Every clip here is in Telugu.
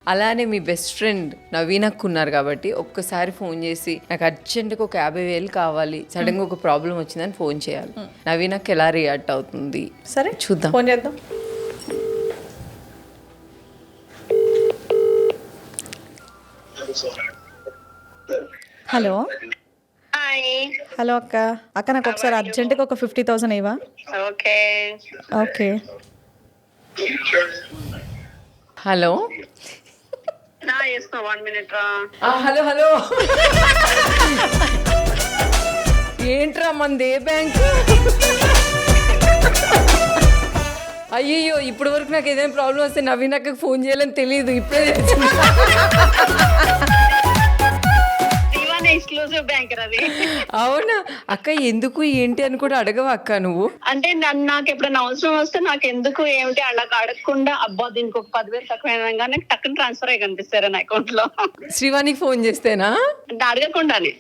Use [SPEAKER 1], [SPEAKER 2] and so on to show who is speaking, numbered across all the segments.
[SPEAKER 1] అలానే మీ బెస్ట్ ఫ్రెండ్ నవీనకు ఉన్నారు కాబట్టి ఒక్కసారి ఫోన్ చేసి నాకు అర్జెంట్గా ఒక 50,000 కావాలి, సడన్గా ఒక ప్రాబ్లం వచ్చిందని ఫోన్ చేయాలి. నవీనకు ఎలా రియాక్ట్ అవుతుంది
[SPEAKER 2] సరే
[SPEAKER 1] చూద్దాం.
[SPEAKER 2] ఫోన్ చేద్దాం. హలో హలో అక్క. అక్క నాకు ఒకసారి అర్జెంటుగా ఒక 50,000 ఇవ్వా?
[SPEAKER 3] Okay
[SPEAKER 2] okay.
[SPEAKER 1] హలో
[SPEAKER 3] చేస్తున్నా 1 minute రా.
[SPEAKER 1] హలో హలో ఏంట్రా మనది ఏ బ్యాంక్? అయ్యో ఇప్పటి వరకు నాకు ఏదైనా ప్రాబ్లం వస్తే నవీనకు ఫోన్ చేయాలని తెలియదు, ఇప్పుడే తెలిసింది.
[SPEAKER 3] ఎక్స్క్లూజివ్ బ్యాంకర్ అది.
[SPEAKER 1] అవునా అక్క, ఎందుకు ఏంటి అని కూడా అడగవా అక్క నువ్వు?
[SPEAKER 3] అంటే నాకు ఎప్పుడైనా అవసరం వస్తే నాకు ఎందుకు ఏమిటి అలా అడగకుండా అబ్బా దీనికి ఒక 10,000 తక్కువ నాకు టక్కున ట్రాన్స్ఫర్ అయ్యి కనిపిస్తారా నా అకౌంట్ లో.
[SPEAKER 1] శ్రీవాణికి ఫోన్ చేస్తేనా?
[SPEAKER 3] అంటే అడగకుండానే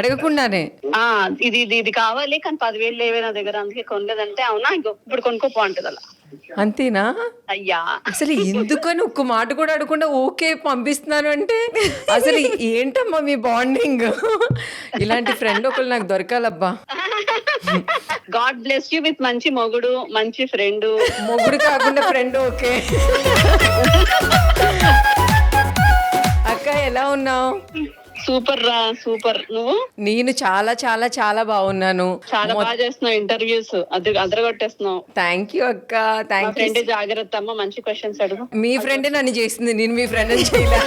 [SPEAKER 3] ఇది కావాలి కానీ 10,000 లేవే నా దగ్గర, అందుకే కొనలేదంటే అవునా ఇప్పుడు కొనుక్కోపో అంటది అలా.
[SPEAKER 1] అంతేనా?
[SPEAKER 3] అయ్యా
[SPEAKER 1] అసలు ఎందుకని ఒక్క మాట కూడా అడగకుండా ఓకే పంపిస్తున్నాను అంటే అసలు ఏంటమ్మా మీ బాండింగ్? ఇలాంటి ఫ్రెండ్ ఒకళ్ళు నాకు దొరకాలబ్బా.
[SPEAKER 3] గాడ్ బ్లెస్ యూ విత్ మంచి మొగుడు, మంచి ఫ్రెండ్.
[SPEAKER 1] మొగుడు కాకుండా ఫ్రెండ్ ఓకే. అక్క ఎలా ఉన్నావు?
[SPEAKER 3] సూపర్ రా సూపర్. నువ్వు?
[SPEAKER 1] నేను చాలా చాలా చాలా బాగున్నాను.
[SPEAKER 3] చాలా బాగా చేస్తున్నావు ఇంటర్వ్యూస్, అదరగొట్టేస్తున్నావు.
[SPEAKER 1] థ్యాంక్ యూ అక్క, థ్యాంక్ యూ.
[SPEAKER 3] ఫ్రెండ్ జాగ్రత్త అమ్మ, మంచి క్వశ్చన్స్ అడుగు.
[SPEAKER 1] మీ ఫ్రెండ్ నన్ను చేసింది, నేను మీ ఫ్రెండ్ అని చేయలే.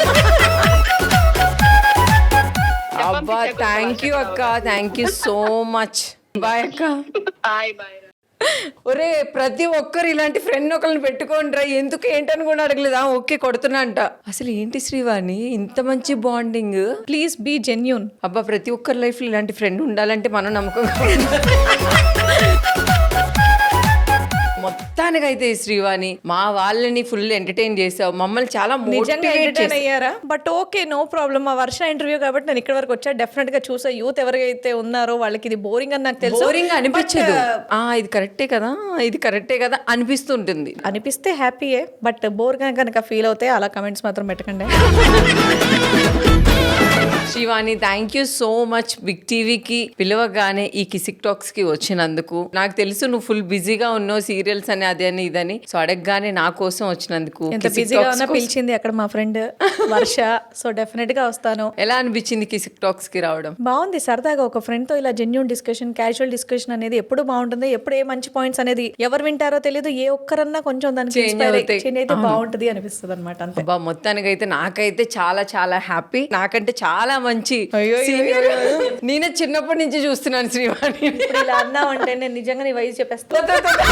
[SPEAKER 1] అబ్బా థ్యాంక్ యూ అక్క, thank you so much. Bye అక్క.
[SPEAKER 3] Bye bye.
[SPEAKER 1] ఒరే ప్రతి ఒక్కరు ఇలాంటి ఫ్రెండ్ ఒకరిని పెట్టుకోండిరా, ఎందుకు ఏంటని కూడా అడగలేదా? ఓకే కొడుతున్నా అంట. అసలు ఏంటి శ్రీవాణి ఇంత మంచి బాండింగ్?
[SPEAKER 2] Please be genuine.
[SPEAKER 1] అబ్బా ప్రతి ఒక్కరి లైఫ్ లో ఇలాంటి ఫ్రెండ్ ఉండాలంటే మనం నమ్మకంగా మొత్తానికైతే శ్రీవాణి మా వాళ్ళని ఫుల్ ఎంటర్టైన్ చేసావు, మమ్మల్ని చాలా
[SPEAKER 2] ఎంటర్టైన్ అయ్యారా? But okay no problem. మా వర్ష ఇంటర్వ్యూ కాబట్టి నేను ఇక్కడ వరకు వచ్చా. డెఫినెట్ గా చూసా యూత్ ఎవరైతే ఉన్నారో వాళ్ళకి ఇది బోరింగ్ అని నాకు తెలుసు.
[SPEAKER 1] బోరింగ్ అనిపించదు, ఇది కరెక్టే కదా, ఇది కరెక్టే కదా అనిపిస్తుంటుంది.
[SPEAKER 2] అనిపిస్తే హ్యాపీయే, బట్ బోర్ గా కనుక ఫీల్ అవుతే అలా కమెంట్స్ మాత్రం పెట్టకండి.
[SPEAKER 1] Shivani thank you so much big టీవీకి పిలవగానే ఈ కిసిక్ టాక్స్ కి వచ్చినందుకు. నాకు తెలుసు నువ్వు ఫుల్ బిజీగా ఉన్నావు, సీరియల్స్ అని అదే అని ఇదని, సో అడగగానే నా కోసం వచ్చినందుకు.
[SPEAKER 2] ఎంత బిజీగా ఉన్నా పిలిచింది అక్కడ మా ఫ్రెండ్ వర్ష, సో డెఫినెట్ గా వస్తాను.
[SPEAKER 1] ఎలా అనిపించింది కిసిక్ టాక్స్ కి రావడం?
[SPEAKER 2] బాగుంది, సరదాగా ఒక ఫ్రెండ్ తో ఇలా జెన్యూన్ డిస్కషన్, క్యాజువల్ డిస్కషన్ అనేది ఎప్పుడు బాగుంటుంది. ఎప్పుడు ఏ మంచి పాయింట్స్ అనేది ఎవరు వింటారో తెలియదు, ఏ ఒక్కరన్నా కొంచెం దానికి చేంజ్ అయితే బాగుంటది అనిపిస్తుంది అనమాట. అంతే.
[SPEAKER 1] మొత్తానికైతే నాకైతే చాలా చాలా హ్యాపీ. నాకంటే చాలా మంచి నేనే చిన్నప్పటి నుంచి చూస్తున్నాను శ్రీవాణి.
[SPEAKER 2] ఇలా అన్నావంటే నేను నిజంగా నీ వయసు చెప్పేస్తా.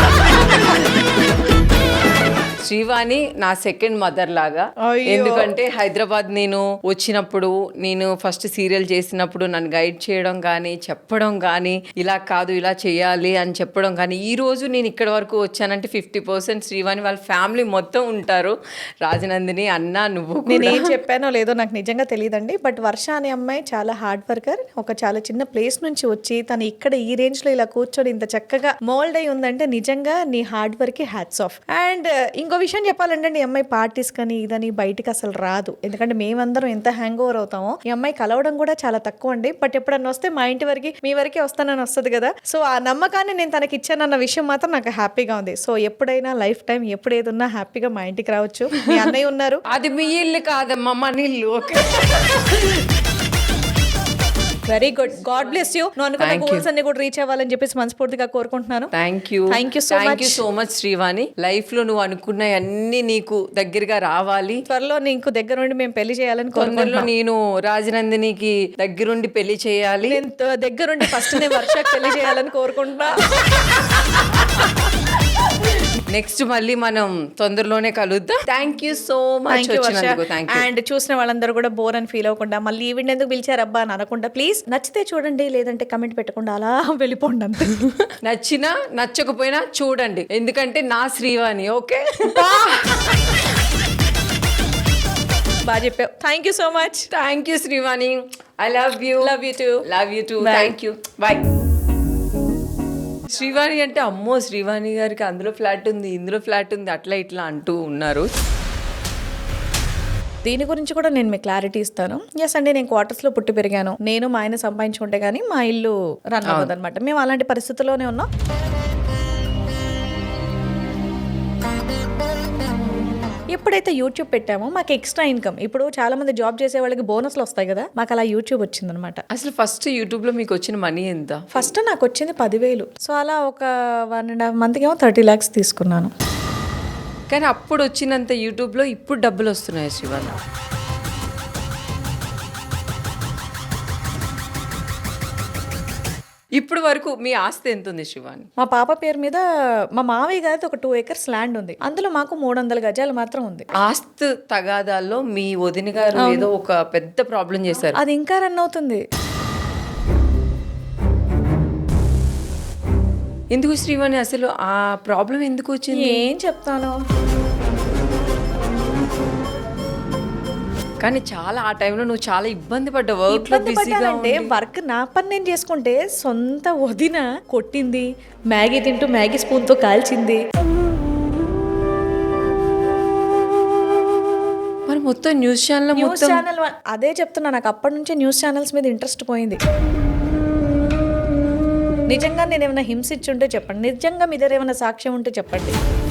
[SPEAKER 1] శ్రీవాణి నా సెకండ్ మదర్ లాగా. ఎందుకంటే హైదరాబాద్ నేను వచ్చినప్పుడు, నేను ఫస్ట్ సీరియల్ చేసినప్పుడు నన్ను గైడ్ చేయడం కానీ, చెప్పడం కానీ, ఇలా కాదు ఇలా చేయాలి అని చెప్పడం కానీ, ఈ రోజు నేను ఇక్కడ వరకు వచ్చానంటే 50% శ్రీవాణి వాళ్ళ ఫ్యామిలీ మొత్తం ఉంటారు. రాజనందిని అన్న నువ్వు.
[SPEAKER 2] నేను ఏం చెప్పానో లేదో నాకు నిజంగా తెలియదండి, బట్ వర్ష అనే అమ్మాయి చాలా హార్డ్ వర్కర్. ఒక చాలా చిన్న ప్లేస్ నుంచి వచ్చి తను ఇక్కడ ఈ రేంజ్ లో ఇలా కూర్చొని ఇంత చక్కగా మోల్డ్ అయి ఉందంటే నిజంగా నీ హార్డ్ వర్క్ కి హ్యాట్స్ ఆఫ్. అండ్ ఇంకో విషయం చెప్పాలంటే ఈ అమ్మాయి పార్టీస్ కానీ ఇదని బయటికి అసలు రాదు. ఎందుకంటే మేమందరం ఎంత హ్యాంగ్ ఓవర్ అవుతామో ఈ అమ్మాయి కలవడం కూడా చాలా తక్కువ అండి. బట్ ఎప్పుడన్నా వస్తే మా ఇంటి వరకు మీ వరకే వస్తానని వస్తుంది కదా. సో ఆ నమ్మకాన్ని నేను తనకి ఇచ్చానన్న విషయం మాత్రం నాకు హ్యాపీగా ఉంది. సో ఎప్పుడైనా లైఫ్ టైం ఎప్పుడు ఏదున్నా హ్యాపీగా మా ఇంటికి రావచ్చు. మీ అన్నయ్య ఉన్నారు.
[SPEAKER 1] అది మీ ఇల్లు కాదమ్మా, మన ఇల్లు.
[SPEAKER 2] Very good, god bless you. నువ్వు అనుకున్న గోల్స్ అన్ని కూడా రీచ్ అవ్వాలని చెప్పేసి మనస్ఫూర్తిగా కోరుకుంటున్నాను.
[SPEAKER 1] Thank you so much Srivani. Life లో నువ్వు అనుకున్న అన్ని నీకు దగ్గరగా రావాలి.
[SPEAKER 2] త్వరలో నీకు దగ్గరుండి మేము పెళ్లి చేయాలని
[SPEAKER 1] కోరుకుంటున్నాను. నేను రాజనందినికి దగ్గరుండి పెళ్లి చేయాలి.
[SPEAKER 2] నేను దగ్గరుండి ఫస్ట్ నేను వర్షకు పెళ్లి చేయాలని కోరుకుంటున్నా.
[SPEAKER 1] నెక్స్ట్ మళ్ళీ మనం తొందరలోనే కలుద్దాం. Thank you so much.
[SPEAKER 2] And చూసిన వాళ్ళందరూ కూడా బోర్ అని ఫీల్ అవ్వకుండా, మళ్ళీ ఈవెంట్ ఎందుకు పిలిచారు అబ్బా అని అనకుండా, ప్లీజ్ నచ్చితే చూడండి, లేదంటే కమెంట్ పెట్టకుండా అలా వెళ్ళిపోండి అంతే.
[SPEAKER 1] నచ్చినా నచ్చకపోయినా చూడండి, ఎందుకంటే నా శ్రీవాణి. ఓకే
[SPEAKER 2] బాగా చెప్పావు. Thank you so much.
[SPEAKER 1] Thank you Srivani. I love you.
[SPEAKER 2] Love you too.
[SPEAKER 1] Love you too. Thank you. Bye. Srivani అంటే అమ్మో శ్రీవాణి గారికి అందులో ఫ్లాట్ ఉంది, ఇందులో ఫ్లాట్ ఉంది, అట్లా ఇట్లా అంటూ ఉన్నారు.
[SPEAKER 2] దీని గురించి కూడా నేను మీకు క్లారిటీ ఇస్తాను. ఎస్ అండి, నేను క్వార్టర్స్ లో పుట్టి పెరిగాను. నేను మా ఆయన సంపాదించుకుంటే గానీ మా ఇల్లు రన్ అవ్వదు అనమాట. మేము అలాంటి పరిస్థితుల్లోనే ఉన్నాం. ఎప్పుడైతే యూట్యూబ్ పెట్టామో మాకు ఎక్స్ట్రా ఇన్కమ్, ఇప్పుడు చాలా మంది జాబ్ చేసే వాళ్ళకి బోనస్లు వస్తాయి కదా, మాకు అలా యూట్యూబ్ వచ్చిందనమాట.
[SPEAKER 1] అసలు ఫస్ట్ యూట్యూబ్ లో మీకు వచ్చిన మనీ ఎంత?
[SPEAKER 2] ఫస్ట్ నాకు వచ్చింది 10,000. సో అలా ఒక 1.5 మంత్కి ఏమో 30 lakhs తీసుకున్నాను.
[SPEAKER 1] కానీ అప్పుడు వచ్చినంత యూట్యూబ్ లో ఇప్పుడు డబ్బులు వస్తున్నాయి శివాని. ఇప్పుడు వరకు మీ ఆస్తి ఎంత ఉంది శివాని?
[SPEAKER 2] మా పాప పేరు మీద మా మావయ్య గారిది ఒక 2 acres ల్యాండ్ ఉంది. అందులో మాకు 300 గజాలు మాత్రం ఉంది.
[SPEAKER 1] ఆస్తి తగాదాల్లో మీ వదిన గారు ఏదో ఒక పెద్ద ప్రాబ్లం చేశారు.
[SPEAKER 2] అది ఇంకా రన్ అవుతుంది.
[SPEAKER 1] ఎందుకు శ్రీవాణి అసలు ఆ ప్రాబ్లం ఎందుకు వచ్చింది?
[SPEAKER 2] ఏం చెప్తాను.
[SPEAKER 1] కానీ చాలా ఆ టైంలో నువ్వు చాలా ఇబ్బంది పడ్డావు. వర్క్ లో బిజీగా
[SPEAKER 2] అంటే వర్క్ నా పని నేను చేసుకుంటే సొంత వదిన కొట్టింది, మ్యాగీ తింటూ మ్యాగీ స్పూన్ తో కాల్చింది.
[SPEAKER 1] మరి మొత్తం న్యూస్ ఛానల్
[SPEAKER 2] అదే చెప్తున్నా, నాకు అప్పటి నుంచే న్యూస్ ఛానల్స్ మీద ఇంట్రెస్ట్ పోయింది. నిజంగా నేను ఏమైనా హింసించుంటే చెప్పండి, నిజంగా మీ దగ్గర ఏమైనా సాక్ష్యం ఉంటే చెప్పండి.